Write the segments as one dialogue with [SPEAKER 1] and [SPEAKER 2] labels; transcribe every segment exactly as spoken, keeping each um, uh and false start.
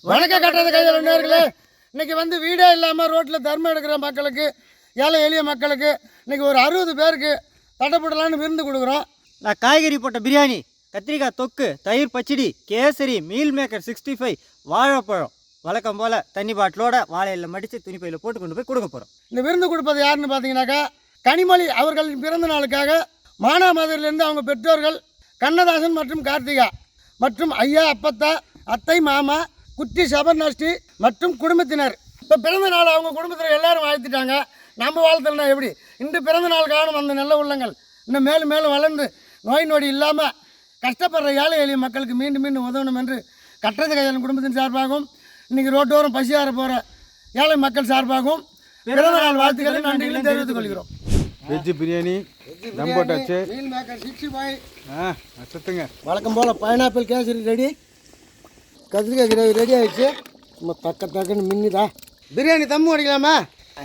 [SPEAKER 1] வணக்கம் கட்டுறது கையில் நேர்களே. இன்றைக்கி வந்து வீடே இல்லாமல் ரோட்டில் தர்மம் எடுக்கிற மக்களுக்கு, ஏழை எளிய மக்களுக்கு இன்றைக்கி ஒரு அறுபது பேருக்கு தட்டப்படலான்னு விருந்து கொடுக்குறோம்.
[SPEAKER 2] நான் காய்கறி போட்ட பிரியாணி, கத்திரிக்காய் தொக்கு, தயிர் பச்சடி, kesari, meal maker sixty five, வாழைப்பழம் வழக்கம் போல் தண்ணி பாட்டிலோட வாழையில் மடித்து துணிப்பையில் போட்டு கொண்டு போய் கொடுக்க போகிறோம்.
[SPEAKER 1] இந்த விருந்து கொடுப்பது யாருன்னு பார்த்தீங்கன்னாக்கா, கனிமொழி அவர்களின் பிறந்த நாளுக்காக மானாமதுரிலிருந்து அவங்க பெற்றோர்கள் கண்ணதாசன் மற்றும் கார்த்திகா மற்றும் ஐயா, அப்பத்தா, அத்தை, மாமா, குட்டி, சபர்நாஷ்டி மற்றும் குடும்பத்தினர். இப்போ பிறந்த நாள் அவங்க குடும்பத்தில் எல்லாரும் வாழ்த்திட்டாங்க. நம்ம வாழ்த்தலைன்னா எப்படி? இன்று பிறந்த நாள் காணும் அந்த நல்ல உள்ளங்கள் இன்னும் மேலும் மேலும் வளர்ந்து நோய் நொடி இல்லாமல் கஷ்டப்படுற ஏழை எளிய மக்களுக்கு மீண்டும் மீண்டும் உதவணும் என்று கட்டுறது கையாளன் குடும்பத்தின் சார்பாகவும் இன்றைக்கி ரோட்டோரம் பசியார போகிற ஏழை மக்கள் சார்பாகவும் பிறந்த நாள் வாழ்த்துக்களை நன்றிகளை தெரிவித்துக் கொள்கிறோம்.
[SPEAKER 3] வெஜ்ஜு பிரியாணி, தம் போட்டாச்சு,
[SPEAKER 1] மீல் மேக்கர் சிக்ஸ்டி ஃபைவ்,
[SPEAKER 3] ஆ சுத்துங்க,
[SPEAKER 1] வழக்கம் போல் பைனாப்பிள் கேசரி ரெடி, கத்திரிக்காய் கிரேவி ரெடி ஆகிடுச்சு. நம்ம தக்க தக்கன்னு மின்னிதா பிரியாணி தம்மு அடிக்கலாமா?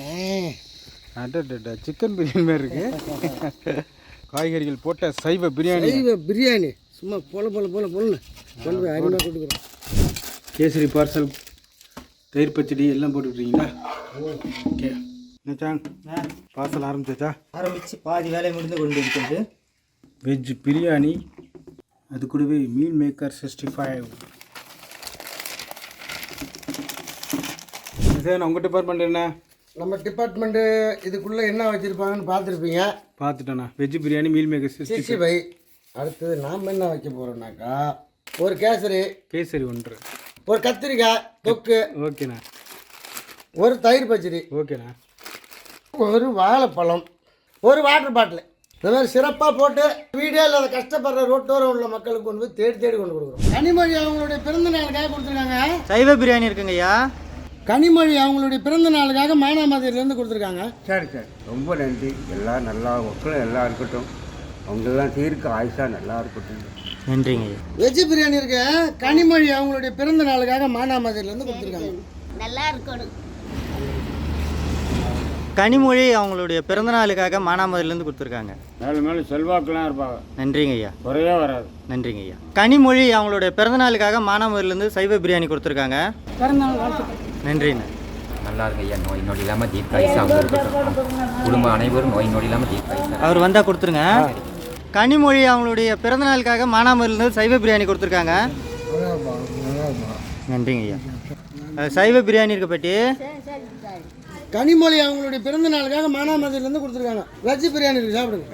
[SPEAKER 3] அடடா சிக்கன் பிரியாணி மாதிரி இருக்கு. காய்கறிகள் போட்ட சைவ பிரியாணி,
[SPEAKER 1] சைவ பிரியாணி சும்மா போல போல போல போலன்னு கொண்டு போய் அருமையாக கொடுக்குறோம்.
[SPEAKER 3] கேசரி பார்சல், தயிர் பச்சடி எல்லாம் போட்டுக்கிட்டீங்களா? Okay என்னச்சாங், parcel ஆரம்பிச்சாச்சா?
[SPEAKER 2] ஆரம்பித்து பாதி வேலை முடிந்து கொண்டு இருக்கிறது.
[SPEAKER 3] வெஜ் பிரியாணி, அது கூடவே meal maker sixty five. Sir உங்கள் டிபார்ட்மெண்ட் என்ன?
[SPEAKER 1] நம்ம டிபார்ட்மெண்ட்டு இதுக்குள்ளே என்ன வச்சுருப்பாங்கன்னு பார்த்துருப்பீங்க.
[SPEAKER 3] பார்த்துட்டேண்ணா. Veg biryani, meal maker sixty
[SPEAKER 1] sixty five. அடுத்தது நாம் என்ன வைக்க போகிறோம்னாக்கா, ஒரு கேசரி,
[SPEAKER 3] கேசரி ஒன்று,
[SPEAKER 1] ஒரு கத்திரிக்காய் தொக்கு,
[SPEAKER 3] ஓகேண்ணா,
[SPEAKER 1] ஒரு தயிர் பச்சடி,
[SPEAKER 3] ஓகேண்ணா,
[SPEAKER 1] ஒரு வாழைப்பழம், ஒரு வாட்டர் பாட்டில். இந்த மாதிரி சிறப்பாக போட்டு வீடியோ இல்லாத கஷ்டப்படுற ரோட்டோரம் உள்ள மக்களுக்கு கொண்டு போய் தேடி தேடி கொண்டு கொடுக்குறோம். கனிமொழி அவங்களுடைய பிறந்த நாளுக்காக கொடுத்துருக்காங்க.
[SPEAKER 2] சைவ பிரியாணி இருக்குங்க ஐயா.
[SPEAKER 1] கனிமொழி அவங்களுடைய பிறந்த நாளுக்காக மானாமதுரிலேருந்து கொடுத்துருக்காங்க.
[SPEAKER 4] சரி சரி, ரொம்ப நன்றி. எல்லாம் நல்லா மக்களும் எல்லாம் இருக்கட்டும், அவங்களெல்லாம் தீர்க்க ஆயுஷா நல்லா இருக்கட்டும்.
[SPEAKER 2] நன்றிங்க ஐயா.
[SPEAKER 1] வெஜ் பிரியாணி இருக்கு. கனிமொழி அவங்களுடைய பிறந்த நாளுக்காக மானாமதுரிலேருந்து கொடுத்துருக்காங்க.
[SPEAKER 5] நல்லா இருக்கணும்.
[SPEAKER 2] கனிமொழி அவங்களுடைய பிறந்த நாளுக்காக மானாமதுரிலேருந்து கொடுத்துருக்காங்க.
[SPEAKER 4] மேலும் மேலும் செல்வாக்கெல்லாம் இருப்பாங்க.
[SPEAKER 2] நன்றிங்க ஐயா.
[SPEAKER 4] குறையே வராது.
[SPEAKER 2] நன்றிங்க ஐயா. கனிமொழி அவங்களுடைய பிறந்த நாளுக்காக மானாமதுரிலேருந்து சைவ பிரியாணி கொடுத்துருக்காங்க. நன்றிண்ணா.
[SPEAKER 6] நல்லா இருக்கு ஐயா. நோய் நொடி இல்லாமல் தீர்க்காயுசாக இருக்கட்டும். குடும்பம் அனைவரும் நோய் நொடி இல்லாமல் தீர்க்காயுசா.
[SPEAKER 2] அவர் வந்தால் கொடுத்துருங்க. கனிமொழி அவங்களுடைய பிறந்த நாளுக்காக மானாமதுரிலேருந்து சைவ பிரியாணி கொடுத்துருக்காங்க. நன்றிங்க ஐயா. அஹ் சைவ பிரியாணி இருக்க பற்றி
[SPEAKER 1] கனிமொழி அவங்களுடைய பிறந்த நாளுக்காக மானாமதுரிலேருந்து கொடுத்துருக்காங்க. வெஜ் பிரியாணி இருக்கு, சாப்பிடுங்க.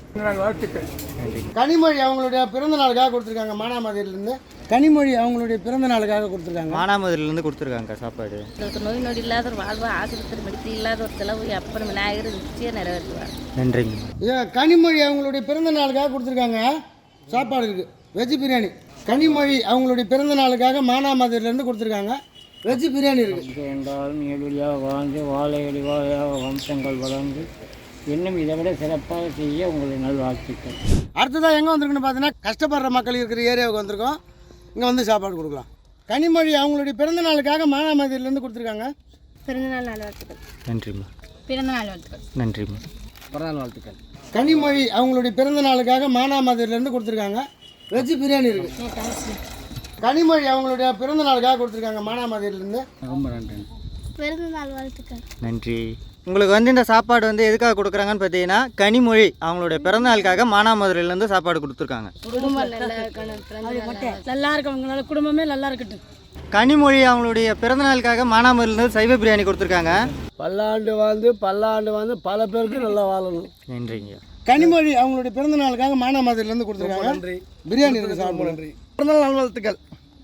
[SPEAKER 1] கனிமொழி அவங்களுடைய பிறந்த நாளுக்காக கொடுத்துருக்காங்க மானாமதுரிலேருந்து. கனிமொழி அவங்களுடைய பிறந்த நாளுக்காக கொடுத்துருக்காங்க.
[SPEAKER 2] மானாமதுரிலேருந்து கொடுத்துருக்காங்க சாப்பாடு.
[SPEAKER 5] நோய் நொடி இல்லாத ஒரு வாழ்வு, ஆஸ்பத்திரி மெடிக்கல் இல்லாத ஒரு செலவு அப்புறம் விநாயகர் நிச்சயம் நிறைவேற்றுவார்.
[SPEAKER 2] நன்றிங்க.
[SPEAKER 1] ஏன் கனிமொழி அவங்களுடைய பிறந்த நாளுக்காக கொடுத்துருக்காங்க. சாப்பாடு இருக்குது, வெஜ் பிரியாணி. கனிமொழி அவங்களுடைய பிறந்த நாளுக்காக மானாமதுரிலேருந்து கொடுத்துருக்காங்க. வெஜ் பிரியாணி இருக்குது.
[SPEAKER 7] என்றாலும் எளியாக வாழ்ந்து வாழையடி வாழையாக வம்சங்கள் வளர்ந்து இன்னும் இதை விட சிறப்பாக செய்ய உங்களை நல்வாழ்த்துக்கள்.
[SPEAKER 1] அடுத்ததாக எங்கே வந்திருக்குன்னு பார்த்தீங்கன்னா, கஷ்டப்படுற மக்கள் இருக்கிற ஏரியாவுக்கு வந்திருக்கோம். இங்கே வந்து சாப்பாடு கொடுக்கலாம். கனிமொழி அவங்களுடைய பிறந்த நாளுக்காக மானாமதுரிலேருந்து கொடுத்துருக்காங்க.
[SPEAKER 5] பிறந்தநாள் நல்வாழ்த்துக்கள்.
[SPEAKER 2] நன்றிம்மா.
[SPEAKER 5] பிறந்தநாள் வாழ்த்துக்கள்.
[SPEAKER 2] நன்றிம்மா.
[SPEAKER 1] பிறந்தநாள் வாழ்த்துக்கள். கனிமொழி அவங்களுடைய பிறந்த நாளுக்காக மானாமதுரிலேருந்து கொடுத்துருக்காங்க. வெஜ் பிரியாணி இருக்குது. கனிமொழி அவங்களுடைய பிறந்த நாளுக்காக கொடுத்துருக்காங்க மானாமதுரிலேருந்து.
[SPEAKER 3] ரொம்ப நன்றி.
[SPEAKER 5] பிறந்தநாள் வாழ்த்துக்கள்.
[SPEAKER 2] நன்றி. உங்களுக்கு வந்து இந்த சாப்பாடு வந்து எதுக்காக கொடுக்குறாங்கன்னு பார்த்தீங்கன்னா, கனிமொழி அவங்களுடைய பிறந்த நாளுக்காக மானாமதுரிலேருந்து சாப்பாடு கொடுத்துருக்காங்க.
[SPEAKER 5] குடும்பம் நல்லா இருக்கணும், நல்லா இருக்கவங்களால குடும்பமே நல்லா இருக்கட்டும்.
[SPEAKER 2] கனிமொழி அவங்களுடைய பிறந்த நாளுக்காக மானாமதுரிலேருந்து சைவ பிரியாணி கொடுத்துருக்காங்க.
[SPEAKER 1] பல்லாண்டு வாழ்ந்து பல்லாண்டு வாழ்ந்து பல பேருக்கு நல்லா வாழணும்.
[SPEAKER 2] நன்றிங்க.
[SPEAKER 1] கனிமொழி அவங்களுடைய பிறந்த நாளுக்காக மானாமதுரிலேருந்து கொடுத்துருக்காங்க. நன்றி. பிரியாணி இருக்குது, சாப்பிட. நன்றி. பிறந்தநாள் நல்வாழ்த்துக்கள்.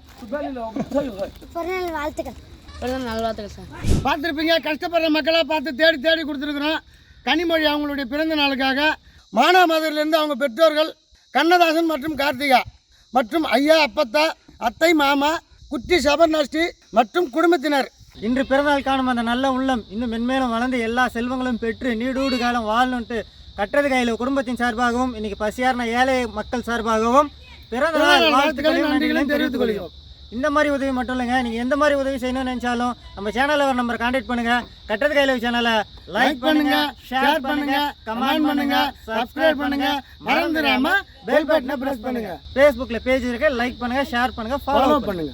[SPEAKER 5] பிறந்தநாள் வாழ்த்துக்கள். பிறந்தநாள் வாழ்த்துக்கள் சார்.
[SPEAKER 1] பார்த்துருப்பீங்க, கஷ்டப்படுற மக்களாக பார்த்து தேடி தேடி கொடுத்துருக்குறோம். கனிமொழி அவங்களுடைய பிறந்த நாளுக்காக மானாமதுரிலிருந்து அவங்க பெற்றோர்கள் கண்ணதாசன் மற்றும் கார்த்திகா மற்றும் ஐயா, அப்பத்தா, அத்தை, மாமா, குட்டி, சபர்நாஷ்டி மற்றும் குடும்பத்தினர்.
[SPEAKER 2] இன்று பிறந்தநாள் காணும் அந்த நல்ல உள்ளம் இன்னும் மென்மேலும் வளர்ந்து எல்லா செல்வங்களும் பெற்று நீடூடு காலம் வாழணுன்ட்டு கட்டுறது கையில் குடும்பத்தின் சார்பாகவும் இன்னைக்கு பசியார்ன ஏழை மக்கள் சார்பாகவும் பிறந்த நாள் வாழ்த்துக்களையும் நன்றிகளையும் தெரிவித்துக் கொள்கிறோம். இந்த மாதிரி உதவி மட்டும் இல்லைங்க, நீங்கள் எந்த மாதிரி உதவி செய்யணும்னு நினச்சாலும் நம்ம சேனலில் ஒரு நம்பர் கான்டாக்ட் பண்ணுங்கள். கட்டுறது கையில் சேனலை லைக் பண்ணுங்க, ஷேர் பண்ணுங்க, கமெண்ட் பண்ணுங்க, சப்ஸ்கிரைப் பண்ணுங்க, மறந்துடாம பெல் பட்டனை பிரஸ் பண்ணுங்க. ஃபேஸ்புக்கில் பேஜ் இருக்கு, லைக் பண்ணுங்க, ஷேர் பண்ணுங்க, ஃபாலோ பண்ணுங்க.